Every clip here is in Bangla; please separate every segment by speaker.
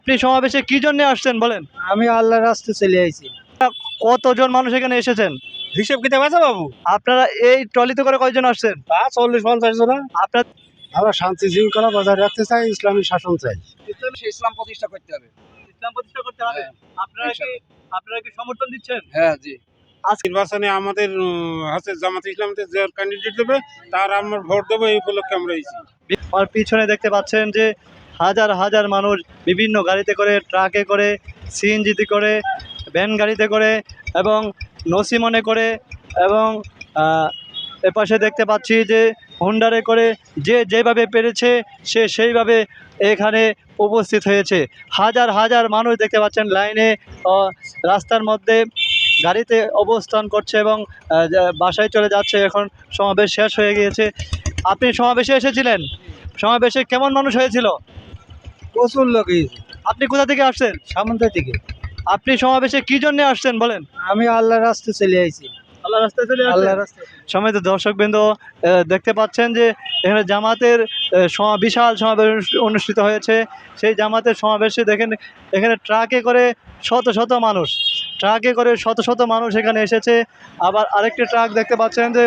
Speaker 1: আপনি সমাবেশে কি জন্য আসছেন বলেন?
Speaker 2: আমি আল্লাহর রাস্তায় চলে আইছি।
Speaker 1: কতজন মানুষ এখানে এসেছেন?
Speaker 2: হিসেব কিতাব আছে বাবু?
Speaker 1: আপনারা এই ট্রলিতে করে কয়জন আসছেন?
Speaker 2: তা 40-50 জন।
Speaker 1: আপনার
Speaker 2: আমরা শান্তি শৃঙ্খলা বজায় রাখতে চাই, ইসলামী শাসন চাই।
Speaker 3: ইসলাম প্রতিষ্ঠা করতে হবে।
Speaker 1: ইসলাম প্রতিষ্ঠা করতে হবে। আপনারা কি সমর্থন দিচ্ছেন?
Speaker 3: হ্যাঁ জি।
Speaker 4: নির্বাচনে আমাদের হচ্ছে জামাত ইসলামতে যে ক্যান্ডিডেট দেবে তার আমরা ভোট দেবো, এই উপলক্ষে আমরা এসেছি।
Speaker 1: আর পিছনে দেখতে পাচ্ছেন যে হাজার হাজার মানুষ বিভিন্ন গাড়িতে করে, ট্রাকে করে, সিএনজিতে করে, ভ্যান গাড়িতে করে এবং নসিমনে করে এবং এপাশে দেখতে পাচ্ছি যে হোন্ডারে করে যে যেভাবে পেরেছে সে সেইভাবে এখানে উপস্থিত হয়েছে। হাজার হাজার মানুষ দেখতে পাচ্ছেন লাইনে রাস্তার মধ্যে গাড়িতে অবস্থান করছে এবং বাসায় চলে যাচ্ছে। এখন সমাবেশ শেষ হয়ে গিয়েছে। আপনি সমাবেশে এসেছিলেন? সমাবেশে কেমন মানুষ হয়েছিল?
Speaker 2: প্রচুর লোক হয়েছে।
Speaker 1: আপনি কোথা থেকে আসছেন?
Speaker 2: সামন্ত থেকে।
Speaker 1: আপনি সমাবেশে কি জন্য আসছেন বলেন?
Speaker 2: আমি আল্লাহর রাস্তায় চলে আইছি।
Speaker 1: আল্লাহ রাস্তায় চলে আসছেন?
Speaker 2: আল্লাহর রাস্তায়।
Speaker 1: সম্মানিত দর্শকবৃন্দ, দেখতে পাচ্ছেন যে এখানে জামাতের বিশাল সমাবেশ অনুষ্ঠিত হয়েছে। সেই জামাতের সমাবেশে দেখেন এখানে ট্রাকে করে শত শত মানুষ, ট্রাকে করে শত শত মানুষ এখানে এসেছে। আবার আরেকটি ট্রাক দেখতে পাচ্ছেন যে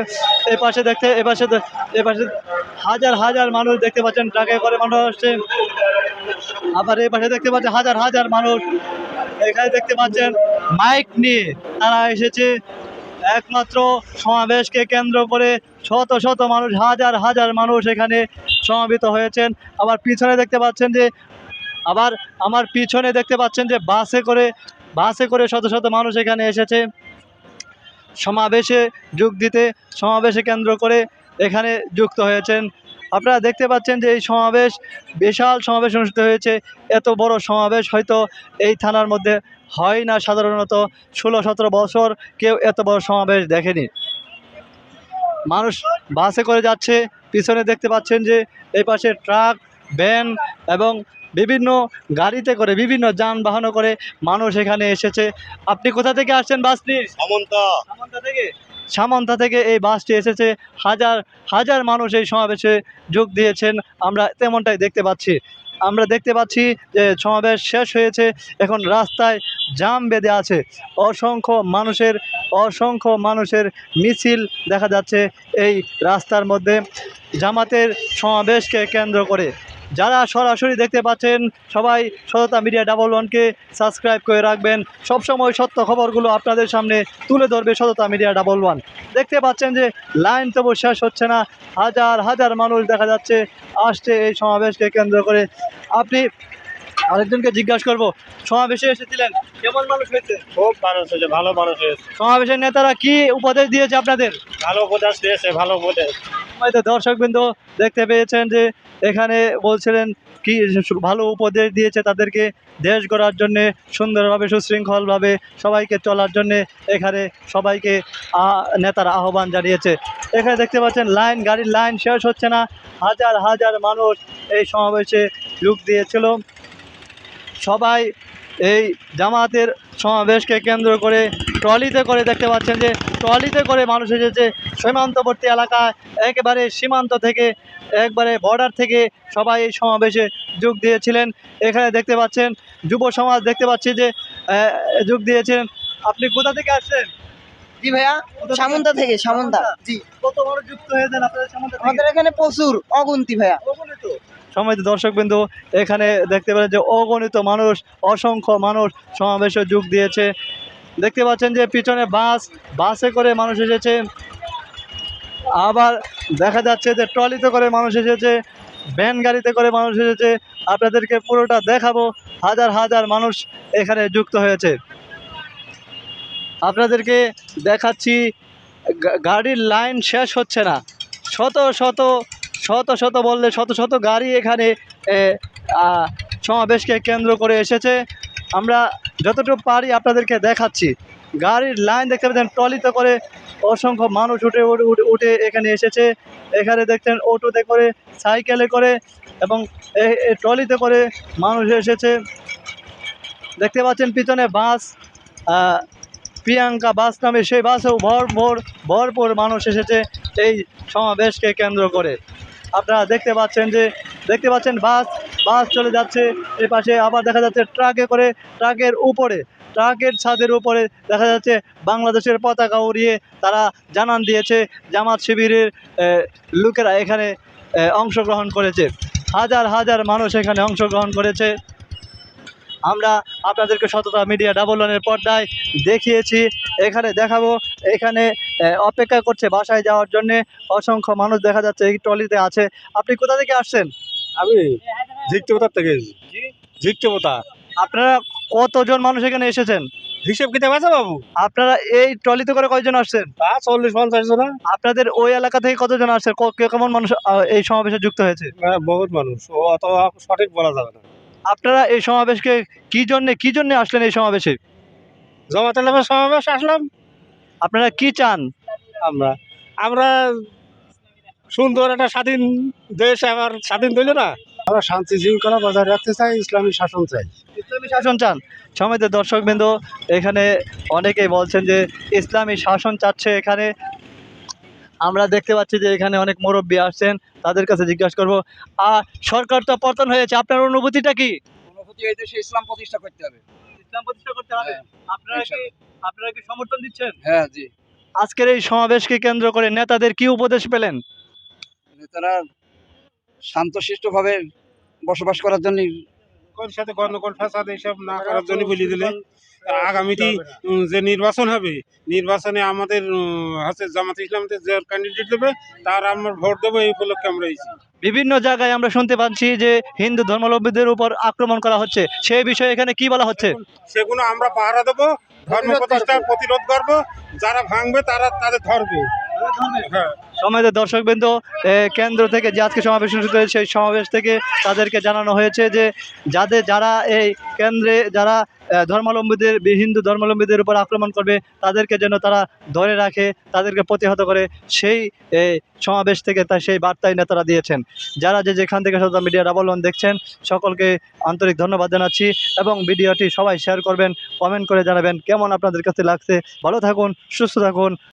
Speaker 1: এপাশে হাজার হাজার মানুষ দেখতে পাচ্ছেন, ট্রাকে করে মানুষ আসছে। আবার এই পাশে দেখতে পাচ্ছেন হাজার হাজার মানুষ এখানে দেখতে পাচ্ছেন মাইক নিয়ে তারা এসেছে। একমাত্র সমাবেশকে কেন্দ্র করে শত শত মানুষ, হাজার হাজার মানুষ এখানে সমাবেত হয়েছেন। আবার পিছনে দেখতে পাচ্ছেন যে আমার পিছনে দেখতে পাচ্ছেন যে বাসে করে শত শত মানুষ এখানে এসেছে সমাবেশে যোগ দিতে, সমাবেশে কেন্দ্র করে এখানে যুক্ত হয়েছেন। আপনারা দেখতে পাচ্ছেন যে এই সমাবেশ, বিশাল সমাবেশ অনুষ্ঠিত হয়েছে। এত বড় সমাবেশ হয়তো এই থানার মধ্যে হয় না, সাধারণত 16-17 বছর কেউ এত বড় সমাবেশ দেখেনি। মানুষ বাসে করে যাচ্ছে, পিছনে দেখতে পাচ্ছেন যে এই পাশে ট্রাক, ভ্যান এবং বিভিন্ন গাড়িতে করে, বিভিন্ন যানবাহন করে মানুষ এখানে এসেছে। আপনি কোথা থেকে আসছেন বাস নিয়ে? সামন্তা থেকে এই বাসটি এসেছে। হাজার হাজার মানুষ এই সমাবেশে যোগ দিয়েছেন, আমরা তেমনটাই দেখতে পাচ্ছি। আমরা দেখতে পাচ্ছি যে সমাবেশ শেষ হয়েছে, এখন রাস্তায় জাম বেঁধে আছে। অসংখ্য মানুষের মিছিল দেখা যাচ্ছে এই রাস্তার মধ্যে জামাতের সমাবেশকে কেন্দ্র করে। যারা সরাসরি দেখতে পাচ্ছেন সবাই সততা মিডিয়া 11কে সাবস্ক্রাইব করে রাখবেন। সবসময় সত্য খবরগুলো আপনাদের সামনে তুলে ধরবে সততা মিডিয়া 11। দেখতে পাচ্ছেন যে লাইন তবু শেষ হচ্ছে না, হাজার হাজার মানুষ দেখা যাচ্ছে আসছে এই সমাবেশকে কেন্দ্র করে। আপনি আরেকজনকে জিজ্ঞাসা করবো, সমাবেশে এসেছিলেন, কেমন মানুষ হয়েছে?
Speaker 4: খুব মানুষ হয়েছে, ভালো মানুষ হয়েছে।
Speaker 1: সমাবেশের নেতারা কি উপদেশ দিয়েছে আপনাদের?
Speaker 4: ভালো উপদেশ দিয়েছে, ভালো উপদেশ।
Speaker 1: হয়তো দর্শকবৃন্দ দেখতে পেয়েছেন যে এখানে বলছিলেন কি ভালো উপদেশ দিয়েছে তাদেরকে দেশ গড়ার জন্যে, সুন্দরভাবে সুশৃঙ্খলভাবে সবাইকে চলার জন্যে এখানে সবাইকে নেতারা আহ্বান জানিয়েছে। এখানে দেখতে পাচ্ছেন গাড়ির লাইন শেষ হচ্ছে না, হাজার হাজার মানুষ এই সমাবেশে যোগ দিয়েছিল। সবাই এই জামাতের সমাবেশকে কেন্দ্র করে ট্রলিতে করে, দেখতে পাচ্ছেন যে ট্রলিতে করে মানুষ এসেছে। সীমান্তবর্তী এলাকায় একেবারে সীমান্ত থেকে, একবারে বর্ডার থেকে সবাই এই সমাবেশে যোগ দিয়েছিলেন। এখানে দেখতে পাচ্ছেন যুব সমাজ দেখতে পাচ্ছি যে যোগ দিয়েছিলেন। আপনি কোথা থেকে আসছেন?
Speaker 5: জি ভাইয়া, সামন্তা থেকে। সামন্তা। জি।
Speaker 1: কত মানুষ যুক্ত হয়েছেন আপনাদের সামনে?
Speaker 5: আমাদের এখানে প্রচুর, অগুন্তি ভাইয়া।
Speaker 1: সম্মানিত দর্শকবৃন্দ, এখানে দেখতে পাচ্ছেন যে অগণিত মানুষ, অসংখ্য মানুষ সমাবেশে যোগ দিয়েছে। দেখতে পাচ্ছেন যে পিছনে বাসে করে মানুষ এসেছে। আবার দেখা যাচ্ছে যে ট্রলিতে করে মানুষ এসেছে, ভ্যান গাড়িতে করে মানুষ এসেছে। আপনাদেরকে পুরোটা দেখাবো, হাজার হাজার মানুষ এখানে যুক্ত হয়েছে। আপনাদেরকে দেখাচ্ছি, গাড়ির লাইন শেষ হচ্ছে না, শত শত বললে শত শত গাড়ি এখানে সমাবেশকে কেন্দ্র করে এসেছে। আমরা যতটুকু পারি আপনাদেরকে দেখাচ্ছি। গাড়ির লাইন দেখতে পাচ্ছেন, ট্রলিতে করে অসংখ্য মানুষ উঠে এখানে এসেছে। এখানে দেখছেন অটোতে করে, সাইকেলে করে এবং ট্রলিতে করে মানুষ এসেছে। দেখতে পাচ্ছেন পিছনে বাস, প্রিয়াঙ্কা বাস নামে সেই বাসেও ভরপুর মানুষ এসেছে এই সমাবেশকে কেন্দ্র করে। আপনারা দেখতে পাচ্ছেন বাস বাস চলে যাচ্ছে। এ পাশে আবার দেখা যাচ্ছে ট্রাকে করে, ট্রাকের উপরে, ট্রাকের ছাদের উপরে দেখা যাচ্ছে বাংলাদেশের পতাকা উড়িয়ে তারা জানান দিয়েছে জামাত শিবিরের লোকেরা এখানে অংশগ্রহণ করেছে। হাজার হাজার মানুষ এখানে অংশগ্রহণ করেছে। আমরা আপনাদেরকে সততা মিডিয়া ডাবল ওয়ানের পর্দায় দেখিয়েছি, এখানে দেখাবো। এখানে অপেক্ষা করছে বাসায় যাওয়ার জন্য অসংখ্য মানুষ দেখা যাচ্ছে এই ট্রলিতে আছে। আপনি কোথা থেকে আসছেন?
Speaker 2: আমি ঝিকতে থেকে ঝিকতে পোতা
Speaker 1: আপনারা কতজন মানুষ এখানে এসেছেন?
Speaker 2: হিসেব কিতাব আছে বাবু,
Speaker 1: আপনারা এই ট্রলিতে করে কয়জন আসছেন?
Speaker 2: তা 40-50 জন।
Speaker 1: আপনাদের ওই এলাকা থেকে কতজন আসছে? কেমন মানুষ এই সমাবেশে যুক্ত হয়েছে?
Speaker 2: বহুত মানুষ, ও অত সঠিক বলা যাবে না।
Speaker 1: আপনারা এই সমাবেশকে কি জন্য আসলেন এই সমাবেশে?
Speaker 2: জমাতে নামের সমাবেশ আসলাম।
Speaker 1: আপনারা কি চান?
Speaker 2: আমরা আমরা সুন্দর একটা স্বাধীন দেশ আবার স্বাধীন দিল না, আমরা শান্তি শৃঙ্খলা বজায় রাখতে চাই, ইসলামী শাসন চাই।
Speaker 1: ইসলামী শাসন চান। সমিতির দর্শকবৃন্দ এখানে অনেকেই বলছেন যে ইসলামী শাসন চাচ্ছে এখানে। আমরা দেখতে পাচ্ছি যে এখানে অনেক মুরব্বী আসছেন, তাদের কাছে জিজ্ঞাসা করব। সরকার তো পতন হয়েছে, আপনার অনুভূতিটা কি?
Speaker 3: অনুভূতি এই দেশে ইসলাম প্রতিষ্ঠা করতে হবে।
Speaker 1: ইসলাম প্রতিষ্ঠা করতে হবে। আপনারা কি সমর্থন দিচ্ছেন?
Speaker 3: হ্যাঁ জি।
Speaker 1: আজকের এই সমাবেশকে কেন্দ্র করে নেতাদের কি উপদেশ পেলেন?
Speaker 3: তারা শান্তশিষ্ট ভাবে বসবাস করার জন্য
Speaker 4: ওর সাথে গণকল ফাসাদ এইসব না করার জন্য বলে দিলে আগামীতে যে নির্বাচন হবে, নির্বাচনে আমাদের হচ্ছে জামাত ইসলামতে যে ক্যান্ডিডেট দেবে তার আমরা ভোট দেবো, এই উপলক্ষে আমরা এসেছি।
Speaker 1: বিভিন্ন জায়গায় আমরা শুনতে পাচ্ছি যে হিন্দু ধর্মাবলম্বীদের উপর আক্রমণ করা হচ্ছে, সেই বিষয়ে এখানে কি বলা হচ্ছে?
Speaker 4: সেগুলো আমরা পাহারা দেবো, ধর্ম প্রতিষ্ঠার প্রতিরোধ করবো, যারা ভাঙবে তারা তাদের ধরবে। হ্যাঁ,
Speaker 1: সমাজের দর্শকবৃন্দ কেন্দ্র থেকে যে আজকে সমাবেশ অনুষ্ঠিত হয়েছে সেই সমাবেশ থেকে তাদেরকে জানানো হয়েছে যে যারা এই কেন্দ্রে যারা ধর্মাবলম্বীদের হিন্দু ধর্মাবলম্বীদের উপর আক্রমণ করবে তাদেরকে যেন তারা ধরে রাখে, তাদেরকে প্রতিহত করে, সেই সমাবেশ থেকে সেই বার্তাই নেতারা দিয়েছেন। যারা যেখান থেকে সততা মিডিয়া ডাবল ওয়ান দেখছেন সকলকে আন্তরিক ধন্যবাদ জানাচ্ছি এবং ভিডিওটি সবাই শেয়ার করবেন, কমেন্ট করে জানাবেন কেমন আপনাদের কাছে লাগছে। ভালো থাকুন, সুস্থ থাকুন।